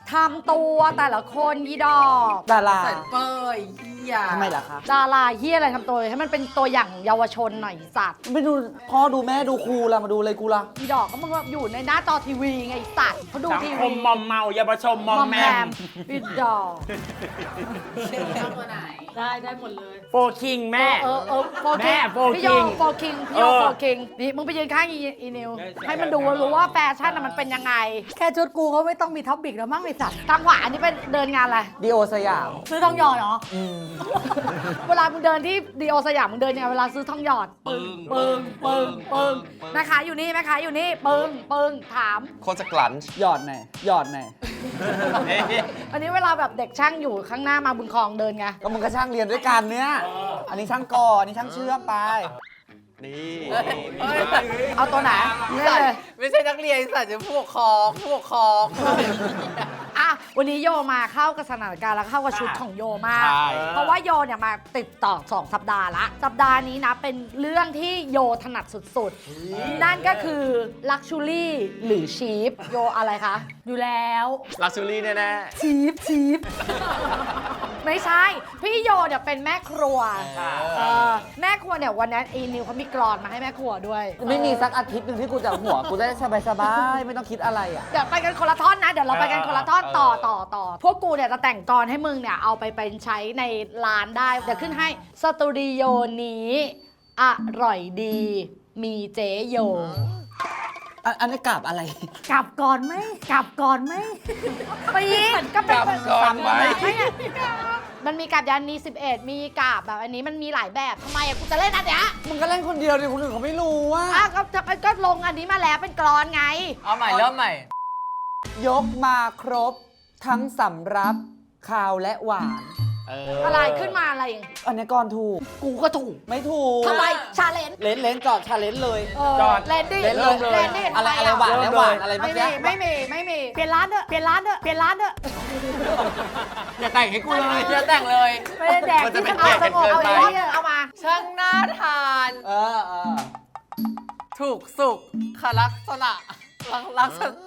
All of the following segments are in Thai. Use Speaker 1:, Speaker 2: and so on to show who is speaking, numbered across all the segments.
Speaker 1: ทำตัวแต่ละคนยีดอก
Speaker 2: ดารา
Speaker 3: ใส่เปยเฮีย
Speaker 2: ทำไมล่ะคะ
Speaker 1: ดาราเฮียอะไรทำตัวให้มันเป็นตัวอย่างเยาวชนหน่อยสัตว์
Speaker 2: ไม่ดูพ่อดูแม่ดูครูละมาดูอะไรกูละ
Speaker 1: ยีดอกก็มึงอยู่ในหน้าจอทีวีไงสัตว์เขาดู
Speaker 4: สัง
Speaker 1: ที
Speaker 4: ค
Speaker 1: วี
Speaker 4: มมอมเมาเยาวชนมอมแมม
Speaker 1: ยีดอก
Speaker 3: ตัวไหน
Speaker 1: ได้หมดเลย
Speaker 4: โฟคิงแม่
Speaker 1: โฟคิ
Speaker 4: แม่
Speaker 1: ง
Speaker 4: โฟ
Speaker 1: พี่โย
Speaker 4: คิง
Speaker 1: โฟคิงพี่โยโฟคิงนี่มึงไปยืนข้างอีนิวให้มันดูรู้ว่าแฟชั่นน่ะมันเป็นยังไง
Speaker 5: แค่ชุดกูก็ไม่ต้องมีท็อปปิกแล้วมั้งไอสัตว์
Speaker 1: ทางขวาอันนี้เป็นเดินงานอะไร
Speaker 2: ดีโอสยาม
Speaker 5: ซื้อทองหยอดเหรอ
Speaker 1: เวลามึงเดินที่ดีโอสยามมึงเดินยังไงเวลาซื้อทองหยอดปึ้งปึ้งปึ้งปึ้งแม่ค้าอยู่นี่แม่ค้าอยู่นี่ปึ้งปึ้งถาม
Speaker 6: โคตรจะกลั้น
Speaker 2: หยอดไหนหยอดไหน
Speaker 1: อันนี้เวลาแบบเด็กช่างอยู่ข้างหน้ามาบุญคลองเดินไง
Speaker 2: ก็มึงก็ช่างเรียนด้วยกันเนี่ยอันนี้ช่างก่ออันนี้ช่างเชื่อมไป
Speaker 6: นี่
Speaker 1: เอาตัวไหนนี่เลย
Speaker 3: ไม่ใช่นักเรียนสัตว์จะผู้ปกครองผู้ปกครอง
Speaker 1: อ่ะวันนี้โยมาเข้ากับสถานการณ์แล้วเข้ากับชุดของโยมาก
Speaker 6: ใช่
Speaker 1: เพราะว่าโยเนี่ยมาติดต่อ2 สัปดาห์ละสัปดาห์นี้นะเป็นเรื่องที่โยถนัดสุดๆ นั่นก็คือ Luxury หรือ Cheap โยอะไรคะ
Speaker 5: อยู่แล้ว
Speaker 6: ลักชูรี่แน่
Speaker 5: ชีฟ
Speaker 1: ไม่ใช่ พี่โยเนี่ยเป็นแม่ครัวแม่ครัวเนี่ยวันนั้นอีนิวเขามีกรอนมาให้แม่ครัวด้วย
Speaker 2: ไม่มีสักอาทิตย์หนึ่งที่กูจะหัวกูได้สบายๆไม่ต้องคิดอะไรอ่ะ
Speaker 1: เดี๋ยวไปกันคนละท่อนนะ เดี๋ยวเราไปกันคนละท่อนต่อ พวกกูเนี่ยจะแต่งกรให้มึงเนี่ยเอาไปเป็นใช้ในร้านได้ เดี๋ยวขึ้นให้สตูดิโอนี้อร่อยดี มีเจโย
Speaker 2: อันนี้กราบอะไร
Speaker 5: กลับก่อนไหมกลับก่อนไหม
Speaker 1: ปีนก็เป็น
Speaker 6: กลับก่อนไหม
Speaker 1: มันมีกาบยานมี11 มีกาบแบบอันนี้มันมีหลายแบบทำไมอะกูจะเล่นอันเนี้ย
Speaker 2: มึงก็เล่นคนเดียวดิคนอื่นเขาไม่รู้ว่า
Speaker 1: ก็ลงอันนี้มาแล้วเป็นกรอนไง
Speaker 3: เอาใหม่เริ่มใหม่
Speaker 2: ยกมาครบ ทั้งสำรับคาวและหวาน
Speaker 1: อะไรขึ้นมาอะไร
Speaker 2: อันนี้ก่อนถูก
Speaker 1: กูก็ถูก
Speaker 2: ไม่ถูก
Speaker 1: ทำไมชาเลนจ์
Speaker 2: เลนจอดชาเลนเลย
Speaker 4: จอด
Speaker 1: เลนดิ
Speaker 2: เล่นเลย
Speaker 1: เลนดิ
Speaker 2: อะไรอะไรหวานและหวานอะไรเมื่อกี้
Speaker 1: ไม่มี
Speaker 5: เปลี่ยนร้านเถอะเปลี่ยนร้านเถอะเปลี่ยนร้านเถอะ
Speaker 4: อย่าแต่งให้กูเลย
Speaker 3: อย่าแต่งเลย
Speaker 5: ไม่ได้แดก
Speaker 6: มันจะ
Speaker 5: ที่
Speaker 6: เป็น
Speaker 5: สงบ
Speaker 6: เกียรติ
Speaker 5: สงบ
Speaker 6: เกิน
Speaker 5: เอา
Speaker 6: ไป
Speaker 5: ไว้เนี่ย
Speaker 1: เอามา
Speaker 3: ช่างน่าทาน
Speaker 2: เออ
Speaker 3: ถูกสุขคลักษณะลักษณะ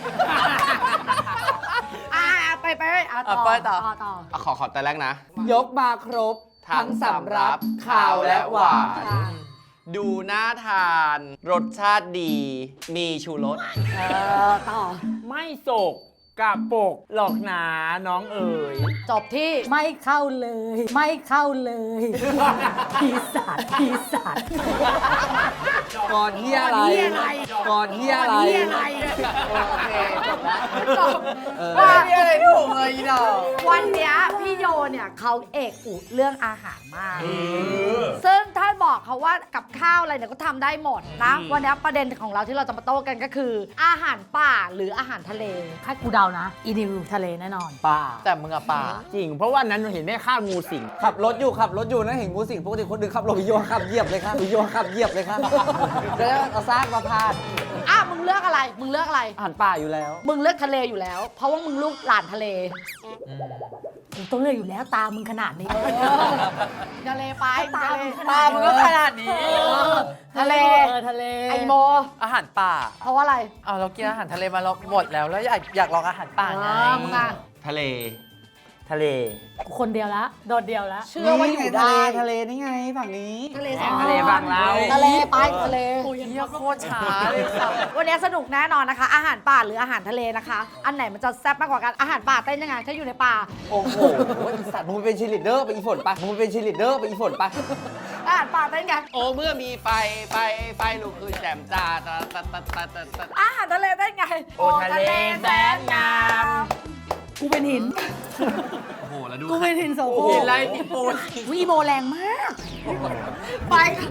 Speaker 1: ไปต่อ
Speaker 3: ไปต่อ
Speaker 6: ๆขอแต่แรกนะ
Speaker 2: ยกมาครบ ทั้งสำรับคาวและหวาน
Speaker 6: ดูน่าทาน รสชาติดี มีชูรส
Speaker 1: ต่อ
Speaker 4: ไม่โศกกะปกหลอกหนาน้องเอ๋ย
Speaker 1: จบที่
Speaker 5: ไม่เข้าเลย ไม่เข้าเลยปีศาจปีศาจ
Speaker 2: ก่อนเฮียอะไร ก่อนเฮียอะไร
Speaker 6: โอเคจบแล้ว
Speaker 1: จบ
Speaker 3: ไม่มีอะไรถูกเลยอีดอก
Speaker 1: วันเนี้ยพี่โยเนี่ยเขาเอกอุเรื่องอาหารมาก ซึ่งถ้าบอกเขาว่ากับข้าวอะไรเนี่ยก็ทำได้หมดนะ วันเนี้ยประเด็นของเราที่เราจะมาโต้กันก็คือ อาหารป่าหรืออาหารทะเล
Speaker 5: ให้กูเดานะ อีนิวทะเลแน่นอน
Speaker 2: ป่า
Speaker 3: แต่มึงอะป่า
Speaker 4: จริง เพราะว่านั้นเห็นแม่ฆ่างูสิง
Speaker 2: ขับรถอยู่นะเห็นงูสิงปกติคนอื่นขับรถโยนขับเหยียบเลยครับโยนขับเหยียบเลยครับแล้วเอาซากมาพาด
Speaker 1: อ่ะมึงเลือกอะไร มึงเลือกอะไร
Speaker 2: อาหารป่าอยู่แล้ว
Speaker 1: มึงเลือกทะเลอยู่แล้ว เพราะว่ามึงลูกหลานทะเล
Speaker 5: กูต้องเลือกอยู่แล้วตามึงขนาดนี้
Speaker 1: ทะเลไปทะเล
Speaker 3: ตามึงก็ขนาดนี้
Speaker 1: ทะเล
Speaker 5: ทะเล
Speaker 1: ไอโม
Speaker 3: อาหารป่า
Speaker 1: เพราะว่าอะไร
Speaker 3: เอาเรากินอาหารทะเลมาเราหมดแล้วอยากลองอาหารป่าไง
Speaker 1: มึงอ่ะ
Speaker 6: ทะเล
Speaker 4: ทะเล
Speaker 5: กูคนเดียวละ โดดเดียวละ
Speaker 1: เชื่อว่าอยู่ได้
Speaker 2: ทะเลนี่ไงฝั่งนี้
Speaker 1: ทะเล
Speaker 4: แสงทะเลบางเรา
Speaker 1: ทะเลไปทะเล
Speaker 3: เฮียโคตรช้าเลยสัตว์
Speaker 1: วันนี้สนุกแน่นอนนะคะ อาหารป่าหรืออาหารทะเลนะคะ อันไหนมันจะแซ่บมากกว่ากันอาหารป่าเต้นยังไงถ้าอยู่ในป่า
Speaker 2: โอ้โหไอีสัตว์มึงเป็นชีลิดเดอร์ไปอีฝนปะมึงเป็นชีลิดเดอร์ไปอีฝนปะ
Speaker 1: อาหารป่าเต้นไง
Speaker 6: โอ้เมื่อมีไฟลุกคือแจ่มจ้าตาตาตาตาตาตา
Speaker 1: อาหารทะเลเต้นไง
Speaker 4: โอ้ทะเลแสนงาม
Speaker 5: กูเป็นหิน
Speaker 6: โอ้โห แล้วดู
Speaker 5: กูเป็นหินโสโคร
Speaker 3: กิน
Speaker 5: ก
Speaker 3: ไรที่ปูน
Speaker 5: วีโมแรงมาก
Speaker 1: ไปค่ะ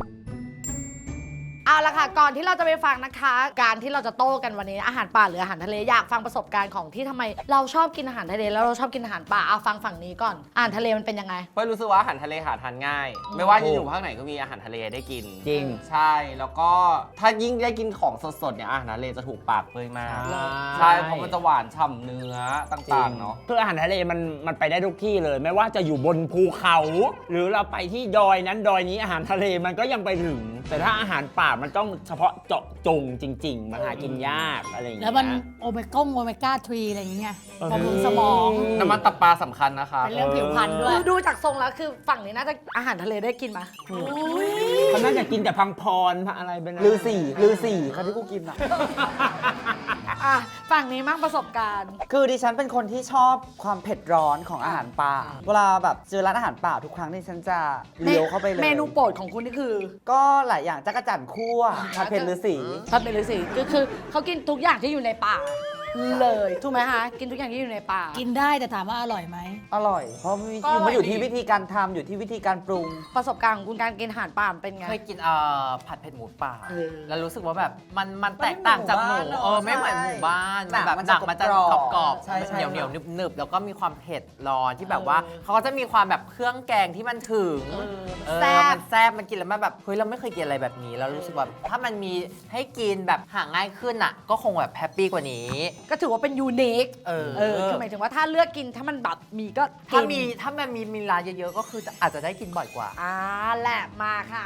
Speaker 1: เอาละค่ะ ก่อนที่เราจะไปฟังนะคะ การที่เราจะโต้กันวันนี้อาหารป่าหรืออาหารทะเลอยากฟังประสบการณ์ของที่ทำไมเราชอบกินอาหารทะเลแล้วเราชอบกินอาหารป่าเอาฟังฝั่งนี้ก่อนอาหารทะเลมันเป็นยังไง
Speaker 6: เพราะรู้สึกว่าอาหารทะเลหาทานง่าย ไม่ว่าจะอยู่ภาคไหนก็มีอาหารทะเลได้กิน
Speaker 4: จริง
Speaker 6: ใช่ แล้วก็ถ้ายิ่งได้กินของสดๆเนี่ยอาหารทะเลจะถูกปากเปยมาก
Speaker 4: ใช่
Speaker 6: ใช่ เพราะมันจะหวานฉ่ำเนื้อต่างๆเนาะ
Speaker 4: คืออาหารทะเลมันไปได้ทุกที่เลย ไม่ว่าจะอยู่บนภูเขา หรือเราไปที่ดอยนั้นดอยนี้อาหารทะเลมันก็ยังไปถึง แต่ถ้าอาหารป่ามันต้องเฉพาะเจาะจงจริง ๆ มันหากินยากอะไรอย่างเงี้ย
Speaker 5: แล้วมันโอเมก้า 3 อะไรอย่างเงี้ยบำรุงสมอง
Speaker 3: น้ำมันตับปลาสำคัญนะคะ
Speaker 5: เป็นเรื่องผิวพรรณด้วย
Speaker 1: ดูจากทรงแล้วคือฝั่งนี้น่าจะอาหารทะเลได้กินไหม
Speaker 4: เขาน่าจะกินแต่พังพรอะไรเป็น
Speaker 2: ลือสี่เขาที่กูกินอ่ะ
Speaker 1: อ่ะฝั่งนี้มั่งประสบการณ์
Speaker 2: คือดิฉันเป็นคนที่ชอบความเผ็ดร้อนของอาหารป่า เวลาแบบเจอร้านอาหารป่าทุกครั้งที่ฉันจะเลี้ยวเข้าไปเลย
Speaker 1: เมนูโปรดของคุณนี่คือ
Speaker 2: ก็หลายอย่างจักรจั่นคั่วผัดเผ็ดฤาษี
Speaker 1: ถ้าเป็นฤาษีก็คือเขากินทุกอย่างที่อยู่ในป่าเลยถูกไหมคะกินทุกอย่างที่อยู่ในป่า
Speaker 5: กินได้แต่ถามว่าอร่อยไหม
Speaker 2: อร่อย เพราะมัน
Speaker 1: ก็อร่อย
Speaker 2: อยู่
Speaker 1: ดี
Speaker 2: ที่วิธีการทำอยู่ที่วิธีการปรุง
Speaker 1: ประสบการณ์ของคุณการกินอาหารป่ามันเป็นไง
Speaker 3: เคยกินผัดเผ็ดหมูป่า
Speaker 1: เออ
Speaker 3: แล้วรู้สึกว่าแบบมันแตกต่างจากหมู
Speaker 2: ไม่เหมือนหมู่บ้าน
Speaker 3: ไม่เหมือนหมู่บ้าน
Speaker 2: ใช่
Speaker 3: มันแบบหนักมันจะ
Speaker 2: หนังมันจะ
Speaker 3: กรอบ
Speaker 2: ใช่ใช่
Speaker 3: เหนียวหนึบแล้วก็มีความเผ็ดร้อนที่แบบว่าเขาก็จะมีความแบบเครื่องแกงที่มันถึง
Speaker 1: แซ่บ
Speaker 3: มันแซ่บมันกินแล้วมันแบบเฮ้ยเราไม่เคยกินอะไรแบบนี้แล้วรู้สึกแบบถ้ามันมีให้กินแบบหาง่ายขึ้นอ่ะ ก็คงแบบแฮปปี้กว่านี้
Speaker 1: ก็ถือว่าเป็นยูนิค
Speaker 3: เออ
Speaker 1: คือหมายถึงว่าถ้าเลือกกินถ้ามันแบบมีก็กิน
Speaker 3: ถ้ามันมีร้านเยอะๆก็คืออาจจะได้กินบ่อยกว่า
Speaker 1: แหละมาค่ะ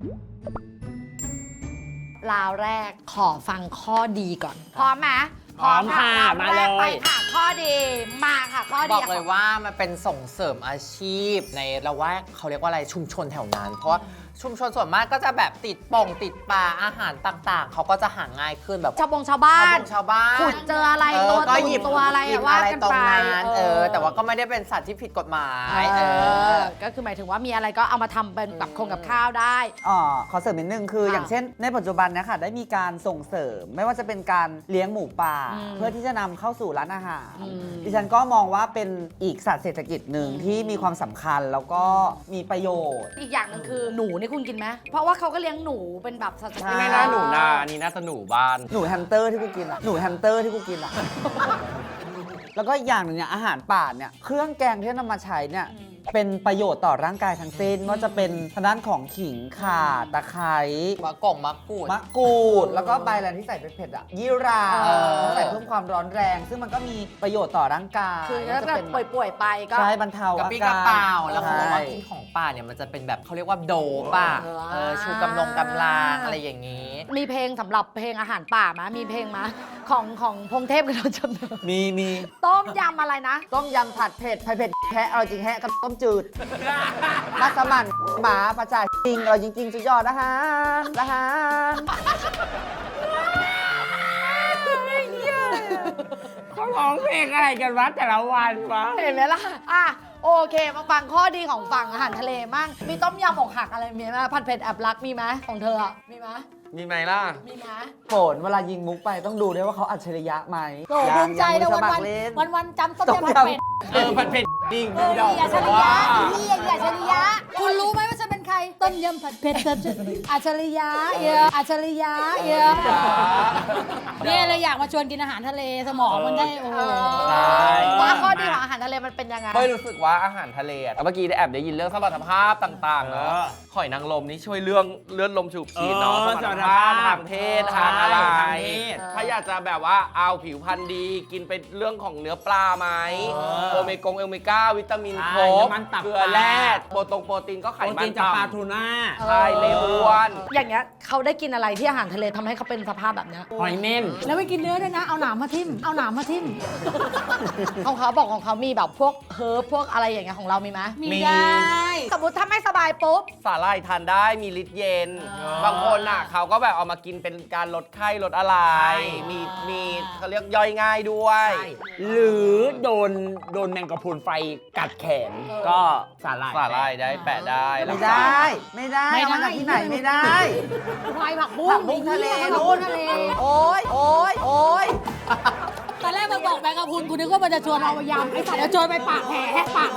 Speaker 1: ราวแรกขอฟังข้อดีก่อนพร้อมไหม
Speaker 4: พร้อมค่ะ
Speaker 1: รว
Speaker 4: มา
Speaker 1: แร
Speaker 4: เล
Speaker 1: กไป
Speaker 4: ย
Speaker 1: ค่ะข้อดีมาค่ะข้อ
Speaker 3: บ
Speaker 1: ดี
Speaker 3: อกเลยว่ามันเป็นส่งเสริมอาชีพในละแวกเขาเรียกว่าอะไรชุมชนแถวนั้น เพราะว่าชุมชนส่วนมากก็จะแบบติดป่งติดปลาอาหารต่างๆ เขาก็จะหาง่ายขึ้นแบบ
Speaker 1: ชาวบ้าน
Speaker 3: ชาวบ้าน
Speaker 1: ขุดเจออะไรตัว
Speaker 3: ก็
Speaker 1: ตุ่
Speaker 3: หยิบ
Speaker 1: ตัวอะไร
Speaker 3: หยิบ
Speaker 1: ว่า
Speaker 3: อะไร
Speaker 1: กัน
Speaker 3: ตรง
Speaker 1: ไป
Speaker 3: นั้นแต่ว่าก็ไม่ได้เป็นสัตว์ที่ผิดกฎหมาย
Speaker 1: ก็คือหมายถึงว่ามีอะไรก็เอามาทำเป็นกับคงกับข้าวได้
Speaker 2: ขอเสริมนิดนึงคือ
Speaker 1: ค่ะ
Speaker 2: อย่างเช่น ในปัจจุบันเนะคะได้มีการส่งเสริม ไม่ว่าจะเป็นการเลี้ยงหมูป่า เพื่อที่จะนำเข้าสู่ร้านอาหาร ดิฉันก็มองว่าเป็นอีกศาสตร์เศรษฐกิจหนึ่งที่มีความสำคัญแล้วก็มีประโยชน์
Speaker 1: อีกอย่างหนึงคือหนูนี่คุณกินไหมเพราะว่าเขาก็เลี้ยงหนูเป็นแบบสัตว์
Speaker 2: ใช่
Speaker 6: ไม่น่าหนูนาอันนี้น่าจะหนูบ้าน
Speaker 2: หนูแฮมสเตอร์ที่กูกินอ่ะ หนูแฮมสเตอร์ที่กูกินอ่ะ แล้วก็อีกอย่างหนึ่งเนี่ยอาหารป่าเนี่ยเครื่องแกงที่นำมาใช้เนี่ยเป็นประโยชน์ต่อร่างกายทั้งสิ้นว่าจะเป็นทางด้านของขิงข่าตะไคร้
Speaker 3: มะกรูด
Speaker 2: มะกรูดแล้วก็ใบอะไรที่ใส่เผ็ดๆอ่ะยี่รา ใส่เพิ่มความร้อนแรง ซึ่งมันก็มีประโยชน์ต่อร่างกาย
Speaker 1: คือถ้า
Speaker 2: จะ
Speaker 1: แบบ
Speaker 2: เป็น
Speaker 1: ป่วยๆไปก็
Speaker 2: ใช่บรรเทาก
Speaker 3: ระ
Speaker 2: อา
Speaker 3: ปี้ก
Speaker 2: การ
Speaker 3: ระเป๋าแล้วเขาบอกว่า
Speaker 2: ใช่
Speaker 3: กินของป่าเนี่ยมันจะเป็นแบบเขาเรียกว่าโดป่ะชูกำลังอะไรอย่างนี้
Speaker 1: มีเพลงสำหรับเพลงอาหารป่าไหมมีเพลงไหมของพงเทพกับเราจำเนิด
Speaker 2: มี
Speaker 1: ต้มยำอะไรนะ
Speaker 2: ต้มยำผัดเผ็ดแคะอร่อยจริงแฮะกับต้มจืด มัสมั่นหมาประจาจริงอร่อยจริงๆสุดยอดอาหาร
Speaker 4: เขาร้องเพลงอะไรกันวะแต่ละวันวะ
Speaker 1: เห็นไหมล่ะโอเคมาฟังข้อดีของฝั่งอาหารทะเลมั่งมีต้มยำอกหักอะไรมีไหมผัดเผ็ดแอบรักมีไหมของเธออะมีไหม
Speaker 6: มีไหมล่ะ
Speaker 1: มีไหม
Speaker 2: โฝนเวลายิงมุกไปต้องดูด้วยว่าเขาอัจฉริยะไหม
Speaker 5: โอ้ภูมิใจนะ
Speaker 2: ส
Speaker 5: วัน
Speaker 2: มัค
Speaker 5: วัน
Speaker 2: รเล่น
Speaker 5: วันวันๆจำต้ม
Speaker 2: ต้ม
Speaker 5: ยำผัด
Speaker 2: ยำ
Speaker 5: เป็ด
Speaker 4: ผัดเผ็ดจริง
Speaker 5: ดีอัจฉริยะดีอัจฉริยะ คุณรู้ไหมว่าฉันเป็นใคร ต้มยำผัดเผ็ดอัจฉริยะอัจฉริยะเนี่ยเลยอยากมาชวนกินอาหารทะเลสมองมันได้โอ้โห
Speaker 1: ว่าข้อดีของอาหารทะเลมันเป็นยังไง
Speaker 6: ไม่รู้สึกว่าอาหารทะเลอะเมื่อกี้ได้แอบได้ยินเรื่องสมรรถภาพต่างๆเนาะหอยนางรมนี่ช่วยเรื่องเลือดลมฉูบฉีดเนาะสมรรถภาพทางเพศทางอะไร
Speaker 4: ทางเพศ
Speaker 6: ถ้าอยากจะแบบว่าเอาผิวพรรณดีกินไปเรื่องของเนื้อปลาไหมโอเมก้าวิตามินครบ
Speaker 4: น้ำมันตับ
Speaker 6: เกลือแร่โปรตีนก็ไข
Speaker 4: โปร
Speaker 6: มั
Speaker 4: ตี
Speaker 6: น
Speaker 4: นจากปลา
Speaker 6: ต่ำ
Speaker 4: ทูน่า
Speaker 6: ใช่ไม่อ้วน
Speaker 1: อย่างเงี้ยเขาได้กินอะไรที่อาหารทะเลทำให้เขาเป็นสภาพแบบเนี้ย
Speaker 4: หอยเม่น
Speaker 5: แล้วไม่กินเนื้อด้วยนะ เอาหนามมาทิ่ม
Speaker 1: ของเขาบอกของเขามีแบบพวกเฮิร์บพวกอะไรอย่างเงี้ยของเรามีไหม
Speaker 5: มีได้
Speaker 1: สมมติถ้าไม่สบายปุ๊บ
Speaker 6: สาหร่ายทานได้มีฤทธิ์เย็น บางคนอ่ะเขาก็แบบเอามากินเป็นการลดไข้ลดอะไร มีเขาเรียกย่อยง่ายด้วย
Speaker 4: หรือโดนแมงกะพรุนไฟกัดแขนก็สาหร่าย
Speaker 6: สาหร่ายได้แปะได้
Speaker 2: ไม่ได้ เอามาจากที่ไหนไม่ได้
Speaker 5: ควายผักบุ้ง
Speaker 2: ผักบุ้งทะเล
Speaker 5: ผัก
Speaker 2: นู่
Speaker 5: บุ้
Speaker 2: น
Speaker 5: งทะเล
Speaker 2: โอ๊ย
Speaker 5: ตอนแรกมันบอกแมงกะพรุนกูนึกว่ามันจะชวนเอามายำไอ้สัตว์จะชวนไปปากแผล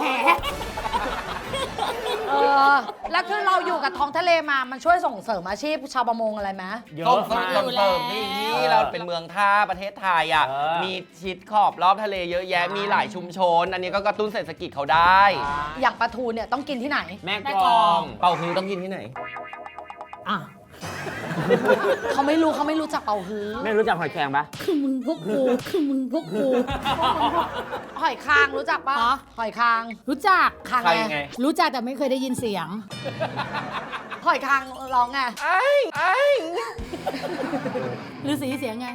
Speaker 1: แล้วคือเราอยู่กับท้องทะเลมา มันช่วยส่งเสริมอาชีพชาวประมงอะไรไหม
Speaker 4: เย
Speaker 6: ส่ง
Speaker 4: อะ
Speaker 6: เสริม
Speaker 4: มาก
Speaker 6: ส่งเสริมนี่ที่เราเป็นเมืองท่าประเทศไทยอ่ะ
Speaker 4: เออ
Speaker 6: มีชิดขอบรอบทะเลเยอะแยะ มีหลายชุมชน อันนี้ก็กระตุ้นเศรษฐกิจเขาได้
Speaker 1: อย่างปลาทูเนี่ยต้องกินที่ไหน
Speaker 4: แม่กลอง
Speaker 6: เป่าฮื้อต้องกินที่ไหน
Speaker 5: อ่ะ
Speaker 1: เขาไม่รู้จักเป่าฮื้อ
Speaker 4: ไม่รู้จักหอยแครงปะ
Speaker 5: คือมึงพวกกู
Speaker 1: หอยคางรู้จักปะ
Speaker 5: ฮะ
Speaker 1: หอยคาง
Speaker 5: รู้จัก
Speaker 1: คาง
Speaker 6: ใคร
Speaker 1: ไง
Speaker 6: ไง
Speaker 5: รู้จักแต่ไม่เคยได้ยินเสียง
Speaker 1: หหอยคางร้องไง
Speaker 5: ฤาษีเสียงไง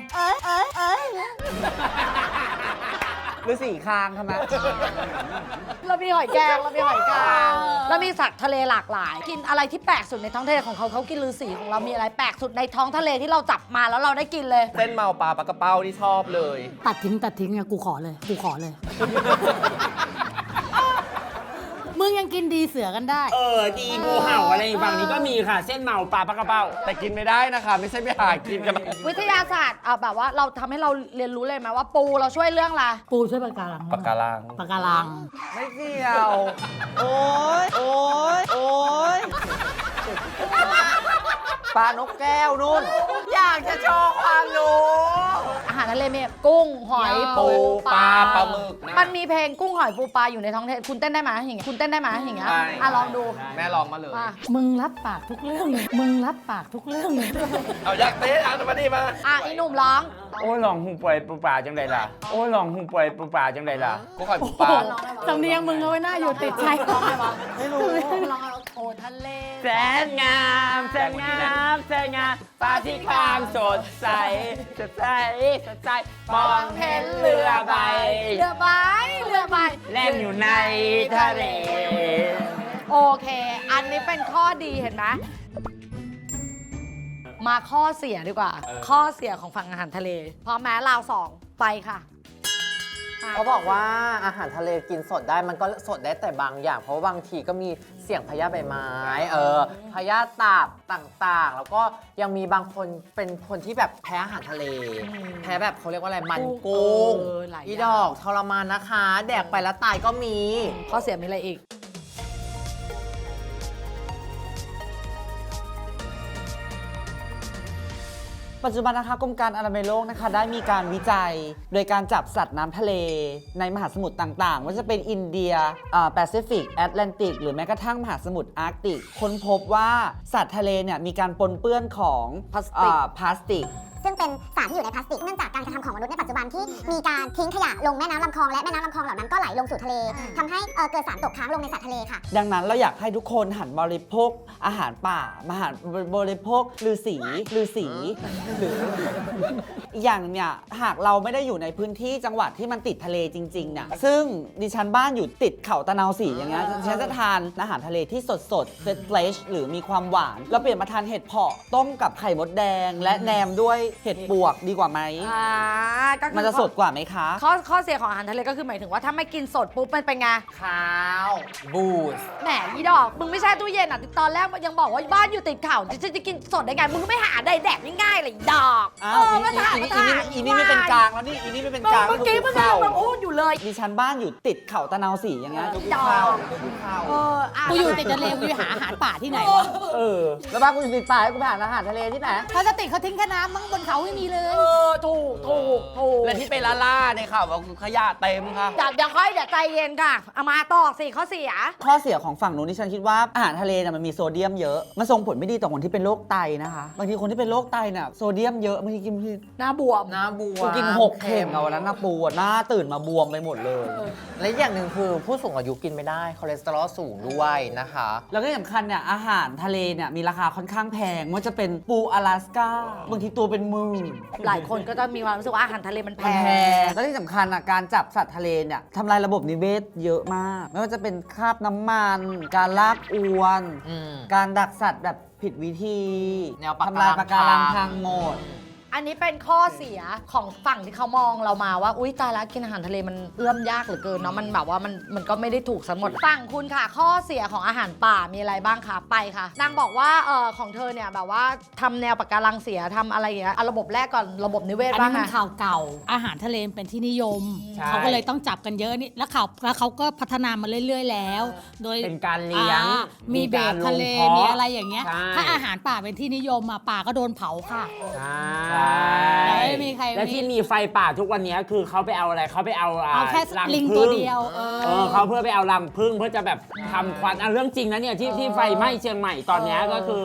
Speaker 2: หรือสี่คางทำไม
Speaker 1: เรามีหอยแกงเรามีหอยกางเรามีสัตว์ทะเลหลากหลาย กินอะไรที่แปลกสุดในท้องทะเลของเขากินฤาษีของเรามีอะไรแปลกสุดในท้องทะเลที่เราจับมาแล้วเราได้กินเลย
Speaker 6: เส้นเมาปลาปลากระเป้าที่ชอบเลย
Speaker 5: ตัดทิ้งอะกูขอเลย มึงยังกินดีเสือกันได้
Speaker 4: ดีงูเห่าอะไรฝั่งนี้ก็มีค่ะ เส้นเมาปลาปลากระเป้า
Speaker 6: แต่กินไม่ได้นะคะ ไม่ใช่ไปหากินกัน
Speaker 1: วิทยาศาสตร์เอาแบบว่าเราทำให้เราเรียนรู้เลยไหมว่าปูเราช่วยเรื่องอะไร
Speaker 5: ปูช่วยปะการัง
Speaker 6: ปากการัง
Speaker 5: ปะการัง
Speaker 2: ไม่เกี่ยว โอ๊ย โอ๊ย โอ๊ย ปลานกแก้วนู่น
Speaker 3: อยากจะโชว์ความรู้
Speaker 1: อาหารทะเลมีกุ้งหอยปูปลา
Speaker 6: ปลาหมึกนะ
Speaker 1: มันมีเพลงกุ้งหอยปูปลาอยู่ในท้องทะเลคุณเต้นได้ไหมอย่างเงี้ยคุณเต้นได้ไหมอย่างเงี้ย
Speaker 6: ได้
Speaker 1: อ่ะลองดู
Speaker 6: แม่ลองมาเลย
Speaker 1: มา
Speaker 5: มึงรับปากทุกเรื่องเลยมึงรับปากทุกเรื่องเลย
Speaker 6: เอาอยากเต้นเอามาดิมา
Speaker 1: อ่ะอีหนุ่มร้อง
Speaker 4: โอ้ยลองหูป่วยปูป่าจังไดล่ะ โอ้ยลองหูป่วยปูป่าจังไดล่ะ
Speaker 6: กูขอยปูปลา
Speaker 5: สำเนียงมึงเอาไว้หน้าอยู่ติดใจ
Speaker 1: ไม่รู้ร้องโอ้ทะเล
Speaker 4: แสนงามแสนงามแสนงามฟ้าที่ข้างสดใสสดใสสดใสมองเห็นเรือใบ
Speaker 1: เรือใบเรือใบ
Speaker 4: แล่นอยู่ในทะเล
Speaker 1: โอเค อันนี้เป็นข้อดีเห็นไหมมาข้อเสียดีกว่า ข้อเสียของฝั่งอาหารทะเลพร้อมแม้ราวสองไปค่ะ
Speaker 3: เขาบอกว่าอาหารทะเลกินสดได้มันก็สดได้แต่บางอย่าง เพราะว่าบางทีก็มีเสี่ยงพยาธิใบไม้พยาธิตับต่างๆ แล้วก็ยังมีบางคนเป็นคนที่แบบแพ้อาหารทะเล แพ้แบบเขาเรียกว่าอะไรมันกุ้ง
Speaker 1: หลายอย่าง
Speaker 3: อีดอกทรมานนะคะ แดกไปแล้วตายก็มี
Speaker 1: ข้อเสียมีอะไรอีก
Speaker 2: ปัจจุบันนะคะกรมการอนามัยโลกนะคะได้มีการวิจัย โดยการจับสัตว์น้ำทะเลในมหาสมุทรต่างๆว่าจะเป็นอินเดียแปซิฟิกแอตแลนติกหรือแม้กระทั่งมหาสมุทรอาร์กติกค้นพบว่าสัตว์ทะเลเนี่ยมีการปนเปื้อนของ
Speaker 1: พลาสติก
Speaker 2: พลาสติก
Speaker 7: ซึ่งเป็นสารที่อยู่ในพลาสติก เนื่องจากการกระทำของมนุษย์ในปัจจุบันที่มีการทิ้งขยะลงแม่น้ำลำคลองและแม่น้ำลำคลองเหล่านั้นก็ไหลลงสู่ทะเลทำให้เกิดสารตกค้างลงในสัตว์ทะเลค่ะ
Speaker 2: ดังนั้นเราอยากให้ทุกคนหันบริโภคอาหารป่ามาหันบริโภคฤาษีหรืออีกอย่างหนึงเนี่ยหากเราไม่ได้อยู่ในพื้นที่จังหวัดที่มันติดทะเลจริงๆเนี่ยซึ่งดิฉันบ้านอยู่ติดเขาตะนาวศรีอย่างเงี้ยดิฉันจะทานอาหารทะเลที่สดเฟรชหรือมีความหวานเราเปลี่ยนมาทานเห็ดเผาะต้มกับไข่มดแดง และแหนมด้วยเห็ดปวกดีกว่าไหม
Speaker 1: ก็คือ
Speaker 2: มันจะสดกว่าไหมคะ
Speaker 1: ข้อเสียของอาหารทะเลก็คือหมายถึงว่าถ้าไม่กินสดปุ๊บมันเป็นไง
Speaker 3: ข้าวบูส
Speaker 1: แหมอีดอกมึงไม่ใช่ตู้เย็นอ่ะตอนแรกยังบอกว่าบ้านอยู่ติดเขาจะกินสดได้ไงมึงก็ไม่หาได้แดกง่ายๆเลยอีดอก
Speaker 2: อ้าว
Speaker 1: มาถ่าย
Speaker 2: อีนี่ไม่เป็นกลางแล้วนี่อีนี่ไม่เป็นกลาง
Speaker 1: เมื่อกี้มึง
Speaker 2: เข้า
Speaker 1: มาพูดอยู่เลย
Speaker 2: ดิฉันบ้านอยู่ติดเขาตะนาวศรีอย่างเงี้ย
Speaker 1: ดอก
Speaker 2: ข้าว
Speaker 5: กูอยู่ติดทะเลกูไปหาอาหารป่าที่ไหนวะ
Speaker 2: แล้วบ้านกูอยู่ติดป่าให้กูไปหาอาหารทะเลที่ไหน
Speaker 5: พลาสติกเขาทิ้งแค่น้ำมั้งบนเขาไม่มีเลย
Speaker 1: ถูก
Speaker 6: และที่ไปล่าในข่าวว่าขยะเต็มค่ะ
Speaker 1: เดี๋ยวใจเย็นค่ะเอามาต่อสิข้อเสีย
Speaker 2: ข้อเสียของฝั่งนู้นที่ฉันคิดว่าอาหารทะเลเนี่ยมันมีโซเดียมเยอะมันส่งผลไม่ดีต่อคนที่เป็นโรคไตนะคะบางทีคนที่เป็นโรคไตเนี่ยโซเดียมเยอะบางทีกิน
Speaker 1: หน้าบวม
Speaker 3: น้าบัว
Speaker 2: กูกิน6 เข่งเอาวันนั้นนะปูอะหน้าตื่นมาบวมไปหมดเลย
Speaker 3: และอย่างหนึ่งคือผู้สูงอายุกินไม่ได้คอเลสเตอรอลสูงด้วยนะคะ
Speaker 2: แล้วก็ที่สำคัญเนี่ยอาหารทะเลเนี่ยมีราคาค่อนข้างแพงไม่ว่าจะเป็นปูอลาสก้าบางทีตัวเป็นหมื่น
Speaker 1: หลายคนก็จะมีความรู้สึกว่าอาหารทะเลมันแพ
Speaker 2: มันแพ
Speaker 1: ง
Speaker 2: งแล้วที่สำคัญอ่ะการจับสัตว์ทะเลเนี่ยทำลายระบบนิเวศเยอะมาก ไม่ว่าจะเป็นคราบน้ำมัน การลากอวน การดักสัตว์แบบผิดวิธี
Speaker 3: แนวปะ
Speaker 2: ทำลายปะการัง
Speaker 3: พั
Speaker 2: พั
Speaker 3: ง
Speaker 2: งหมด
Speaker 1: อันนี้เป็นข้อเสียของฝั่งที่เขามองเรามาว่าอุ๊ยตายแล้วกินอาหารทะเลมันเอื้อมยากเหลือเกินเนาะมันแบบว่ามันก็ไม่ได้ถูกทั้งหมดฝั่งคุณค่ะ ข้อเสียของอาหารป่ามีอะไรบ้างคะไปค่ะนางบอกว่าของเธอเนี่ยแบบว่าทำแนวปะการังเสียทำอะไรอย่างเงี้ยเอาระบบแรกก่อนระบบนิเวศ
Speaker 5: อัน
Speaker 1: บ้า
Speaker 5: นี้
Speaker 1: ง
Speaker 5: มัน
Speaker 1: อะ
Speaker 5: ข่าวเก่า อาหารทะเลเป็นที่นิยม
Speaker 4: ใช่
Speaker 5: เขาก็เลยต้องจับกันเยอะนี่แล้วเขาก็พัฒนามาเรื่อย ๆ แล้ว โดย
Speaker 4: เป็นการเลี้ยง
Speaker 5: มีเบรกทะเล
Speaker 4: มีการลงเพาะ
Speaker 5: มีอะไรอย่างเงี้ย
Speaker 4: ใช่
Speaker 5: ถ้าอาหารป่าเป็นที่นิยมอ่ะป่าก็โดนเผาค่ะ
Speaker 4: ใช่
Speaker 5: ไม่มีใคร
Speaker 4: แล้วที่มีไฟป่าทุกวันนี้คือเขาไปเอาอะไรเขาไปเอา
Speaker 5: เอาแค่
Speaker 4: รั
Speaker 5: ลิง
Speaker 4: ผึ้
Speaker 5: ตัวเดียว
Speaker 4: เขาเพื่อไปเอารังผึ้งเพื่อจะแบบทำควันเรื่องจริงนะเนี่ยที่ไฟไหม้เชียงใหม่ตอนเนี้ยก็คือ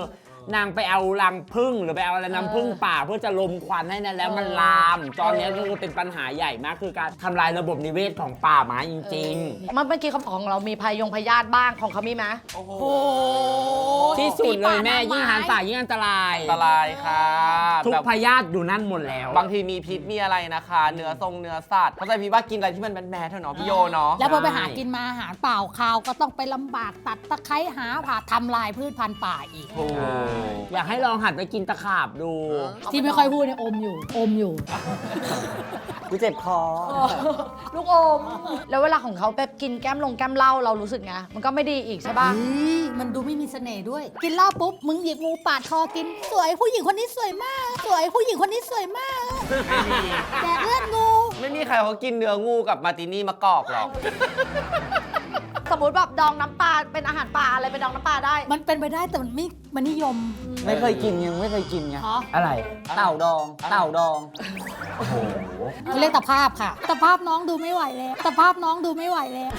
Speaker 4: นางไปเอารังผึ้งหรือไปเอาอะไรน้ำผึ้งป่าเพื่อจะลมควันให้นะแล้วมันลาม ตอนนี้ก็คือเป็นปัญหาใหญ่มากคือการทำลายระบบนิเวศของป่าไม้จริง
Speaker 1: เมื่อกี้เขาบอกของเรามีพยาธิบ้างของเขามีไหม
Speaker 4: ๆ ที่สุดเลยแม่ยิ่งอาหารป่ายิ่งอันตราย
Speaker 6: อันตรายค่ะ
Speaker 4: ทุก
Speaker 6: แบบ
Speaker 4: พยาธิอยู่นั่นหมดแล้ว
Speaker 6: บางทีมีพิษมีอะไรนะคะ เนื้อสัตว์เข้าใจพี่ว่ากินอะไรที่มันแมนๆเถอะเนาะพี่โยเนาะ
Speaker 5: แล้วพอไปหากินมาอาหารเปล่าคาวก็ต้องไปลำบากตัดตะไคร้หาผ่าทำลายพืชพันธุ์ป่าอีก
Speaker 4: อยากให้ลองหัดไปกินตะขาบดู
Speaker 5: ที่ไม่ค่อยพูดเนี่ยอมอยู่
Speaker 2: กูเจ็บคอ
Speaker 1: ลูกอม แล้วเวลาของเขาแบบกินแก้มเหล้าเรารู้สึกไงมันก็ไม่ดีอีกใช่ป่ะ
Speaker 5: มันดูไม่มีเสน่ห์ด้วย กินเหล้าปุ๊บ มึงหยิบงูปาดคอกิน สวยผู้หญิงคนนี้สวยมาก สวยผู้หญิงคนนี้สวยมากแดกเลือดงู
Speaker 6: ไม่มีใครเขากินเนื้องูกับมาร์ตินี่มะกอกหรอก
Speaker 1: สมมติแบบดองน้ำปลาเป็นอาหารป่าอะไรเป็นดองน้ำปลาได้
Speaker 5: มันเป็นไปได้แต่มันนิยม
Speaker 2: ไม่เคยกินยังไม่เคยกินไง
Speaker 5: อ๋อ
Speaker 4: อะไร
Speaker 2: เต่าดอง เต่าดอง
Speaker 5: เขาเรียกตะภาพค่ะตะภาพน้องดูไม่ไหวแล้วตะภาพน้องดูไม่ไหวแล้ว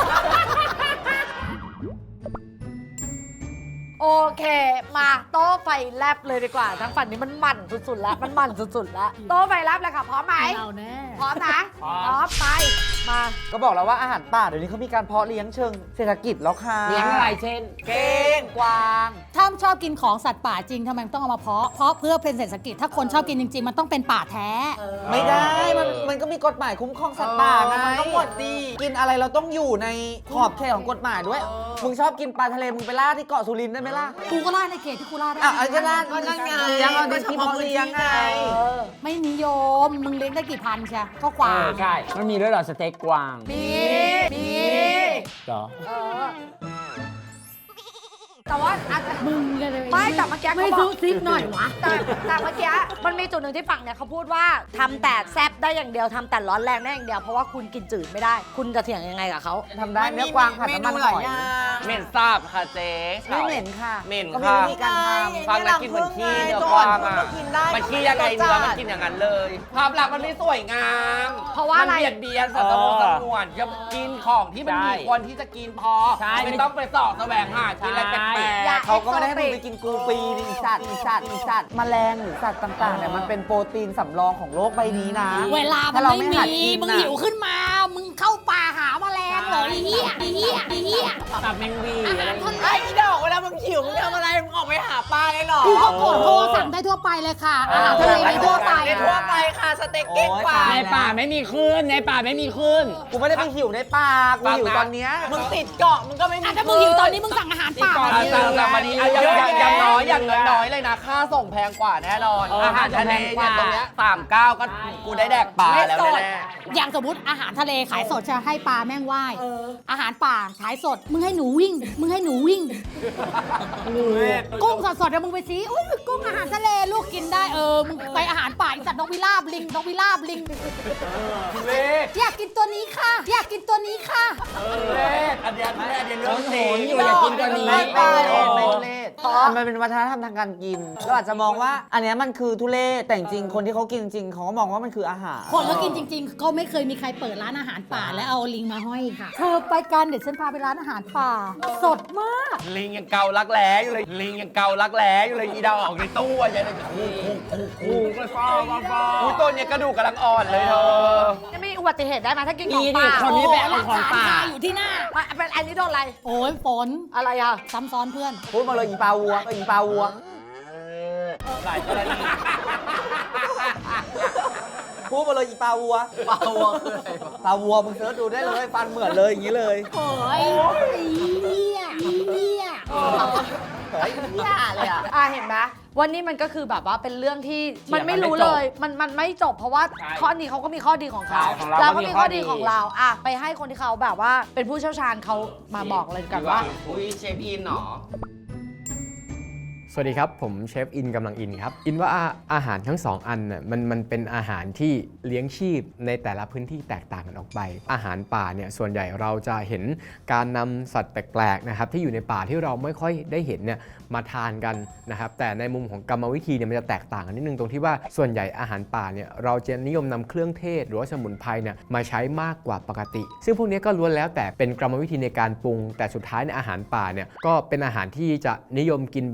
Speaker 1: โอเค มาโต๊ะไฟแลบเลยดีกว่า ทั้งฝั่งนี้มันมันสุดๆแล้วมันมันสุดๆแล้วโต๊ะไฟแลบเลยค่ะพร้อมไหม
Speaker 5: เอาแน่
Speaker 1: พร้อมนะ
Speaker 4: พร้อม
Speaker 1: พร้อมไปมา
Speaker 2: ก็บอกแล้วว่าอาหารป่าเดี๋ยวนี้เขามีการเพาะเลี้ยงเชิงเศรษฐกิจแล้วค่ะ
Speaker 4: เลี้ยงอะไรเช่น
Speaker 2: เก้งกวาง
Speaker 5: ถ้าชอบกินของสัตว์ป่าจริงทำไมต้องเอามาเพาะเพื่อเป็นเศรษฐกิจถ้าคนชอบกินจริงๆ มันต้องเป็นป่าแท้
Speaker 2: ไม่ได้ มันก็มีกฎหมายคุ้มครองสัตว์ป่าไงมันก็หมดดี กินอะไรเราต้องอยู่ในขอบเขตของกฎหมายด้วย มึงชอบกินปลาทะเล มึงไปล่าที่เกาะสุรินทร์ได้ไหมล่ะ
Speaker 5: กูก็ล่าในเขตที่กูล่าได้
Speaker 2: อ่ะอาจจะล่าก็นั่นไงเลี้ยงเอาในที่เพาะเลี้ยงไง
Speaker 5: ไม่นิยม มึงเลี้ยงได้กี่พันใช่ก็กว่า
Speaker 4: ใช่ มันมีด้วยเหรอสเต็กกวาง
Speaker 1: มี
Speaker 4: เหรอ
Speaker 1: เออแต่ว่าอาจจะ
Speaker 5: มึงเลย
Speaker 1: ไม่แต่เมื่อกี้
Speaker 5: ไม่
Speaker 1: เขาบ
Speaker 5: ซุ
Speaker 1: อก
Speaker 5: ซิกหน่อยวะ
Speaker 1: แต่เมื่อกี้มันมีจุดหนึ่งที่ฝั่งเนี่ยเขาพูดว่าทำแต่แซ่บได้อย่างเดียวทำแต่ร้อนแรงได้อย่างเดียวเพราะว่าคุณกินจืดไม่ได้ คุณจะเถียงยังไงกับเขา
Speaker 2: ทำได้เนื้อกวางผัดน้ำมันหอย
Speaker 6: เหม็นซาบค่ะเจ๊
Speaker 2: ไม่เหม็นค่ะ
Speaker 6: เหม็น
Speaker 2: ก็มี
Speaker 6: ค่ะ
Speaker 2: วิธีการทำ
Speaker 6: ฟังแล้วกินเหมือนขี้เนื้อกวางอ่ะมันขี้ยังไงเนื้อมันกินอย่างนั้นเลย ภาพลักษณ์มันไม่สวยงาม
Speaker 1: เพราะว่าอะไร
Speaker 6: มันเบียดเบียนสัตว์สงวนอย่ากินของที่มันมีควรที่จะกินพอ
Speaker 4: ใช่
Speaker 6: ไม่ต้องไปสอบแสวงหากินอะไรแปล
Speaker 1: อย่า
Speaker 6: ก
Speaker 2: เขาก็ไม่ได้ให้มึงไปกินกูปีนี่อีสัตว์แมลงหรือสัตว์ต่างๆเนี่ยมันเป็นโปรตีนสำรองของโลกใบนี้นะ
Speaker 5: เวลามัน
Speaker 2: ถ้เรา
Speaker 5: ไม่
Speaker 2: หัด
Speaker 5: มี
Speaker 2: กิน
Speaker 5: มึง
Speaker 2: น่ะ
Speaker 5: หิวขึ้นมา มึงเข้าป่าหาแมลงเหรอไอ้เหี้ยไอ้เหี้ยไอ้เหี้ย
Speaker 4: ตับแมงวี
Speaker 5: อา
Speaker 4: อะไร
Speaker 5: หารทะเล
Speaker 3: ไอ้ดอกเวลามึงหิวมึงทำอะไรมึงออกไปหาปลาเลยเหรอ
Speaker 5: กูก็กดโทรสั่งได้ทั่วไปเลยค่ะอาหารทะเลมีทั่วไป
Speaker 3: ในทั่วไปค่ะสเต็กเก้งกวาง
Speaker 4: ในป่าไม่มีคลื่นในป่าไม่มีคลื่น
Speaker 2: กูไม่ได้ไปหิวในป่ากูหิวตอนเนี้ย
Speaker 3: มึงติดเกาะมึงก็ไม่มี
Speaker 5: อ่ะถ้ามึงหิวตอนนี้มึงสั่งอาหารป่า
Speaker 6: ๆ
Speaker 5: มา
Speaker 6: สั่งมาดีอย่างน้อยเลยนะ ค่าส่งแพงกว่าแน่นอน อาหารทะเลเนี่ยตรงเนี้ย39ก็กูได้แดกปลาแล้วแน่
Speaker 5: อย่างสมมติอาหารทะเลขายสดจะให้ปลาแม่งว่ายอาหารป่าขายสด มึงให้หนูวิ่ง มึงให้หนูวิ่ง กุ้งสดๆเดี๋ยวมึงไปซีอุ้ยกุ้งอาหารทะเลลูกกินได้มึงไปอาหารป่าอีสัตว์นกพิราบลิงนกพิราบลิงอยากกินตัวนี้ค่ะ อยากกินตัวนี้ค่ะ
Speaker 6: อันเดียวเรื่องจริง
Speaker 4: อยู่อยากกินตัวนี้
Speaker 2: ไม่ทุเรศมันเป็นวัฒนธรรมทางการกินเราอาจจะมองว่า อันเนี้ยมันคือทุเรศแต่จริงๆคนที่เขากินจริงเขาก็มองว่ามันคืออาหาร
Speaker 5: คนเขากินจริงๆก็ไม่เคยมีใครเปิดร้านอาหารป่าแล้วเอาลิงมาห้อยค่ะ เธอไปกันเดี๋ยวฉันพาไปร้านอาหารป่า สดมาก
Speaker 6: ลิงยังเการักแร้อยู่เลยอีดาวออกในตู้อะยังเลยคู่ก็ฟ้าตัวเนี้ยกระดูกกำลังอ่อนเลยเธอ
Speaker 1: จะมีอุบัติเหตุได้ไหมถ้ากินของ
Speaker 4: มีดิ
Speaker 1: ป่า
Speaker 4: คนนี้ไปเอาของป่า
Speaker 5: อยู่ที่หน้า
Speaker 1: เป็นอันนี้โดนอะไร
Speaker 5: โอ้ยฝน
Speaker 1: อะไรอ่ะ
Speaker 5: ซ้ำซ้อนเพื่อน
Speaker 2: พูดมาเลยอีปลาวัว
Speaker 6: หลายกรณี
Speaker 2: พูดมาเลยอีปลาวัว
Speaker 3: ปลาวัวคืออะไรวะ
Speaker 2: ปลาวัวมึงเสิร์ชดูได้เลยฟันเหมือนเลยอย่างนี้เลย
Speaker 5: โอ้ยเหี้ย
Speaker 3: เลยอ่ะ
Speaker 1: เห็นไหมวันนี้มันก็คือแบบว่าเป็นเรื่องที่มันไม่รู้เลย มันไม่จบเพราะว่าข้อนี้เขาก็มีข้อดีของเขา
Speaker 4: ของเรา
Speaker 1: เรา
Speaker 4: ก็
Speaker 1: ก็
Speaker 4: มี
Speaker 1: มี
Speaker 4: ข้
Speaker 1: ข้
Speaker 4: อ
Speaker 1: อ
Speaker 4: ดี
Speaker 1: ดีของเราไปให้คนที่เขาแบบว่าเป็นผู้เชี่ยวชาญเขามาบอกเลยกันว่า
Speaker 6: อุ้ยเชฟอินเหรอ
Speaker 8: สวัสดีครับ ผมเชฟอินกำลังอินครับ อินว่าอาหารทั้งสองอันน่ะมันเป็นอาหารที่เลี้ยงชีพในแต่ละพื้นที่แตกต่างกันออกไป อาหารป่าเนี่ยส่วนใหญ่เราจะเห็นการนำสัตว์แปลกๆนะครับที่อยู่ในป่าที่เราไม่ค่อยได้เห็นเนี่ยมาทานกันนะครับแต่ในมุมของกรรมวิธีเนี่ยมันจะแตกต่างกันนิดนึงตรงที่ว่าส่วนใหญ่อาหารป่าเนี่ยเราจะนิยมนำเครื่องเทศหรือว่าสมุนไพรเนี่ยมาใช้มากกว่าปกติ ซึ่งพวกนี้ก็ล้วนแล้วแต่เป็นกรรมวิธีในการปรุงแต่สุดท้ายในอาหารป่าเนี่ยก็เป็นอาหารที่จะนิยมกินเป็นรสเผ็ด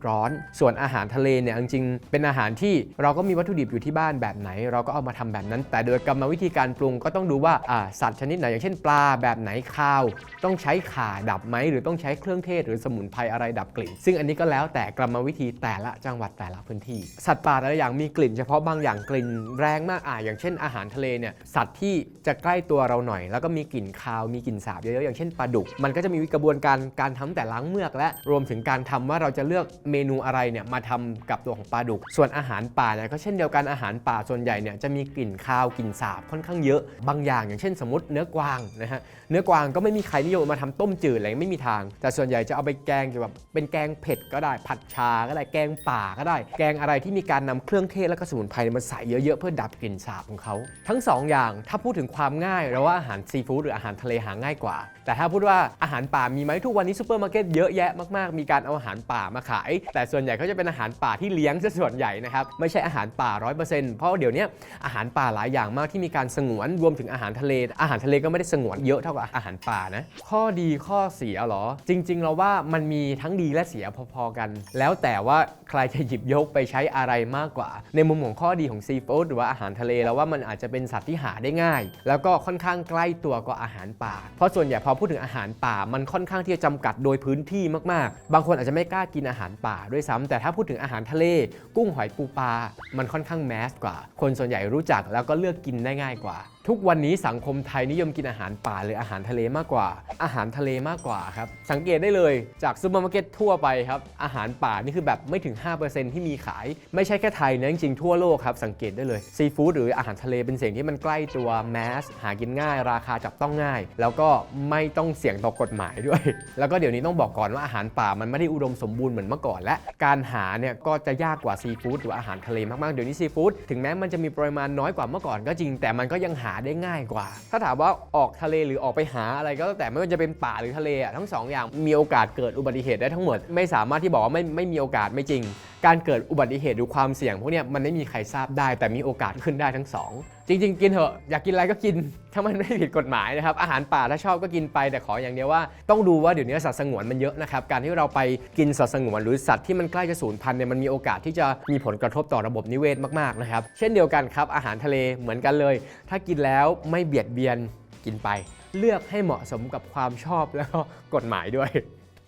Speaker 8: ร้อน ส่วนอาหารทะเลเนี่ยจริงๆเป็นอาหารที่เราก็มีวัตถุดิบอยู่ที่บ้านแบบไหนเราก็เอามาทำแบบนั้นแต่โดยกรรมวิธีการปรุงก็ต้องดูว่าสัตว์ชนิดไหนอย่างเช่นปลาแบบไหนข้าวต้องใช้ข่าดับไหมหรือต้องใช้เครื่องเทศหรือสมุนไพรอะไรดับกลิ่นซึ่งอันนี้ก็แล้วแต่กรรมวิธีแต่ละจังหวัดแต่ละพื้นที่สัตว์ป่าแต่ละอย่างมีกลิ่นเฉพาะบางอย่างกลิ่นแรงมากอย่างเช่นอาหารทะเลเนี่ยสัตว์ที่จะใกล้ตัวเราหน่อยแล้วก็มีกลิ่นคาวมีกลิ่นสาบเยอะๆอย่างเช่นปลาดุกมันก็จะมีกระบวนการทำแต่ล้างเมือกและรวมถึงการทำว่าเราจะเลือกเมนูอะไรเนี่ยมาทำกับตัวของปลาดุกส่วนอาหารป่าเนี่ยก็เช่นเดียวกันอาหารป่าส่วนใหญ่เนี่ยจะมีกลิ่นคาวกลิ่นสาบค่อนข้างเยอะบางอย่างอย่างเช่นสมมติเนื้อกวางนะฮะเนื้อกวางก็ไม่มีใครนิยมมาทำต้มจืดอะไรไม่มีทางแต่ส่วนใหญ่จะเอาไปแกงแบบเป็นแกงเผ็ดก็ได้ผัดชาก็ได้แกงป่าก็ได้แกงอะไรที่มีการนำเครื่องเทศและก็สมุนไพรมาใส่เยอะๆเพื่อดับกลิ่นสาบของเขาทั้งสองอย่างถ้าพูดถึงความง่ายเราว่าอาหารซีฟู้ดหรืออาหารทะเลหาง่ายกว่าแต่ถ้าพูดว่าอาหารป่ามีไหมทุกวันนี้ซูเปอร์มาร์เก็ตเยอะแยะมากๆมีการเอาอาหารป่ามาขายแต่ส่วนใหญ่เขาจะเป็นอาหารป่าที่เลี้ยงซะส่วนใหญ่นะครับไม่ใช่อาหารป่า 100% เพราะเดี๋ยวนี้อาหารป่าหลายอย่างมากที่มีการสงวนรวมถึงอาหารทะเลก็ไม่ได้สงวนเยอะเท่ากับอาหารป่านะข้อดีข้อเสียเหรอจริงๆเราว่ามันมีทั้งดีและเสียพอๆกันแล้วแต่ว่าใครจะหยิบยกไปใช้อะไรมากกว่าในมุมของข้อดีของซีฟู้ดหรือว่าอาหารทะเลแล้วว่ามันอาจจะเป็นสัตว์ที่หาได้ง่ายแล้วก็ค่อนข้างใกล้ตัวกว่าอาหารป่าเพราะส่วนใหญ่พอพูดถึงอาหารป่ามันค่อนข้างที่จะจำกัดโดยพื้นที่มากๆบางคนอาจจะไม่กล้ากินอาหารป่าด้วยซ้ำแต่ถ้าพูดถึงอาหารทะเลกุ้งหอยปูปลามันค่อนข้างแมสกว่าคนส่วนใหญ่รู้จักแล้วก็เลือกกินได้ง่ายกว่าทุกวันนี้สังคมไทยนิยมกินอาหารป่าหรืออาหารทะเลมากกว่าอาหารทะเลมากกว่าครับสังเกตได้เลยจากซูเปอร์มาร์เก็ตทั่วไปครับอาหารป่านี่คือแบบไม่ถึง 5% ที่มีขายไม่ใช่แค่ไทยนะจริงๆทั่วโลกครับสังเกตได้เลยซีฟู้ดหรืออาหารทะเลเป็นสิ่งที่มันใกล้ตัวแมสหากินง่ายราคาจับต้องง่ายแล้วก็ไม่ต้องเสี่ยงต่อกฎหมายด้วยแล้วก็เดี๋ยวนี้ต้องบอกก่อนว่าอาหารป่ามันไม่ได้อุดมสมบูรณ์เหมือนเมื่อก่อนและการหาเนี่ยก็จะยากกว่าซีฟู้ดหรืออาหารทะเลมากๆเดี๋ยวนี้ซีฟู้ดถึงแม้มันจะมีปริมาณน้อยกว่าเมื่อก่อนก็จริงแต่มันก็ยังหาได้ง่ายกว่าถ้าถามว่าออกทะเลหรือออกไปหาอะไรก็แล้วแต่ไม่ว่าจะเป็นป่าหรือทะเลทั้งสองอย่างมีโอกาสเกิดอุบัติเหตุได้ทั้งหมดไม่สามารถที่บอกว่าไม่มีโอกาสไม่จริงการเกิดอุบัติเหตุหรือความเสี่ยงพวกนี้มันไม่มีใครทราบได้แต่มีโอกาสขึ้นได้ทั้งสองจริงๆกินเถอะอยากกินอะไรก็กินถ้ามันไม่ผิดกฎหมายนะครับอาหารป่าถ้าชอบก็กินไปแต่ขออย่างเดียวว่าต้องดูว่าเดี๋ยวนี้สัตว์สงวนมันเยอะนะครับการที่เราไปกินสัตว์สงวนหรือสัตว์ที่มันใกล้จะสูญพันธุ์เนี่ยมันมีโอกาสที่จะมีผลกระทบต่อระบบนิเวศมากๆนะครับเช่นเดียวกันครับอาหารทะเลเหมือนกันเลยถ้ากินแล้วไม่เบียดเบียนกินไปเลือกให้เหมาะสมกับความชอบแล้วก็กฎหมายด้วย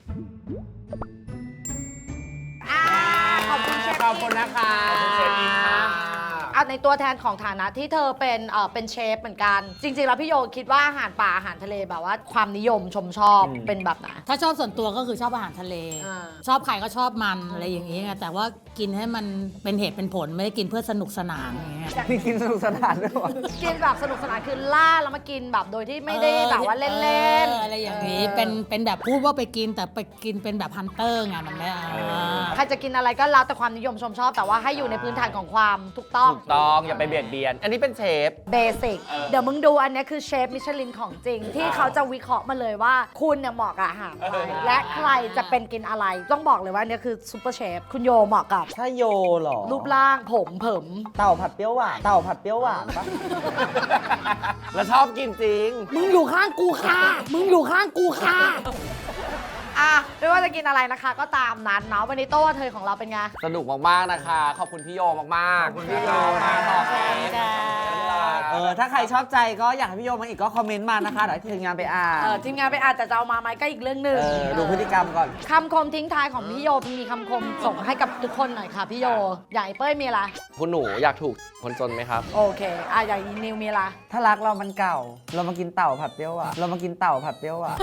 Speaker 1: ขอบคุณเชฟ
Speaker 4: ขอบคุณนะคะ
Speaker 1: เอาในตัวแทนของฐานะที่เธอเป็นเชฟเหมือนกันจริงๆแล้วพี่โยคิดว่าอาหารป่าอาหารทะเลแบบว่าความนิยมชมชอบเป็นแบบไหน
Speaker 5: ถ้าชอบส่วนตัวก็คือชอบอาหารทะเล ชอบใครก็ชอบมันอะไรอย่างนี้ไงแต่ว่ากินให้มันเป็นเหตุเป็นผลไม่ได้กินเพื่อสนุกสนานอย่างเงี้ย
Speaker 2: มีกินสนุกสนานด้วยวะ
Speaker 1: กินแบบสนุกสนานคือล่าแล้วมากินแบบโดยที่ไม่ได้แบบว่าเล่นๆ
Speaker 5: อะไรอย่างนี้เป็นแบบพูดว่าไปกินแต่ไปกินเป็นแบบฮันเตอร์ไงมันไม่
Speaker 1: ใครจะกินอะไรก็แล้วแต่ความนิยมชมชอบแต่ว่าให้อยู่ในพื้นฐานของความถูกต้อง
Speaker 6: อย่าไปเบียดเบียนอันนี้เป็นเชฟ
Speaker 1: เบสิกเดี๋ยวมึงดูอันนี้คือเชฟมิชลินของจริง ที่เขาจะวิเคราะห์มาเลยว่าคุณเนี่ยเหมาะกับอาหารอะไรและใครจะเป็นกินอะไรต้องบอกเลยว่าอันนี้คือซูเปอร์เชฟคุณโยเหมาะกับ
Speaker 2: ถ้าโยเหรอ
Speaker 1: รูปร่างผมเผิม
Speaker 2: เต่าผัดเปรี้ยวหวานเต่าผัดเปรี้ยวหวานปะ
Speaker 6: แล้วชอบกินจริง
Speaker 5: มึงอยู่ข้างกูค่ะมึงอยู่ข้างกูค่ะ
Speaker 1: อ่ะไม่ว่าจะกินอะไรนะคะ ก็ตามนั้นเนาะวันนี้โต้เธอของเราเป็นไง
Speaker 6: สนุกมากๆนะคะ ขอบคุณพี่โยมากๆ ขอบคุณพี่โยมากขอบคุณค่ะ
Speaker 2: ถ้าใครชอบใจก็อยากให้พี่โยมาอีกก็คอมเมนต์มานะคะเดี๋ยวทีมงานไปอ่าน
Speaker 1: ทีมงานไปอ่านแต่จะเอามาไหมก็อีกเรื่องหนึ่ง
Speaker 2: ดูพฤติกรรมก่อน
Speaker 1: คำคมทิ้งท้ายของพี่โยมีคำคมส่งให้กับทุกคนหน่อยค่ะพี่โยอย่างไอ้เป้ยมีอะไร
Speaker 6: คุณหนูอยากถูกคนจนไหมครับ
Speaker 1: โอเคอย่างอีนิวมีอะไร
Speaker 2: ถ้ารักเรามันเก่า เรามากินเต่าผัดเปรี้ยวหวานเรามากินเต่าผัดเปรี้ยวหวาน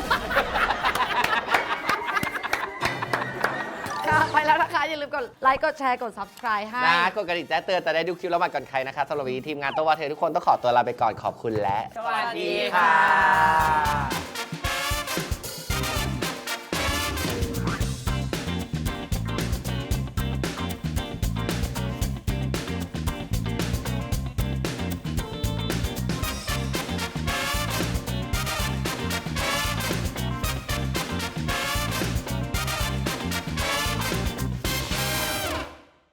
Speaker 1: ไปแล้วนะคะอย่าลืมกดไลค์กดแชร์กด subscribe ให้
Speaker 6: นะกดกระดิ่งแจ้งเตือนจะได้ดูคลิปแล้วมาก่อนใครนะคะสำหรับวันนี้ทีมงานโตวาเททุกคนต้องขอตัวลาไปก่อนขอบคุณและ
Speaker 4: สวัสดีค่ะ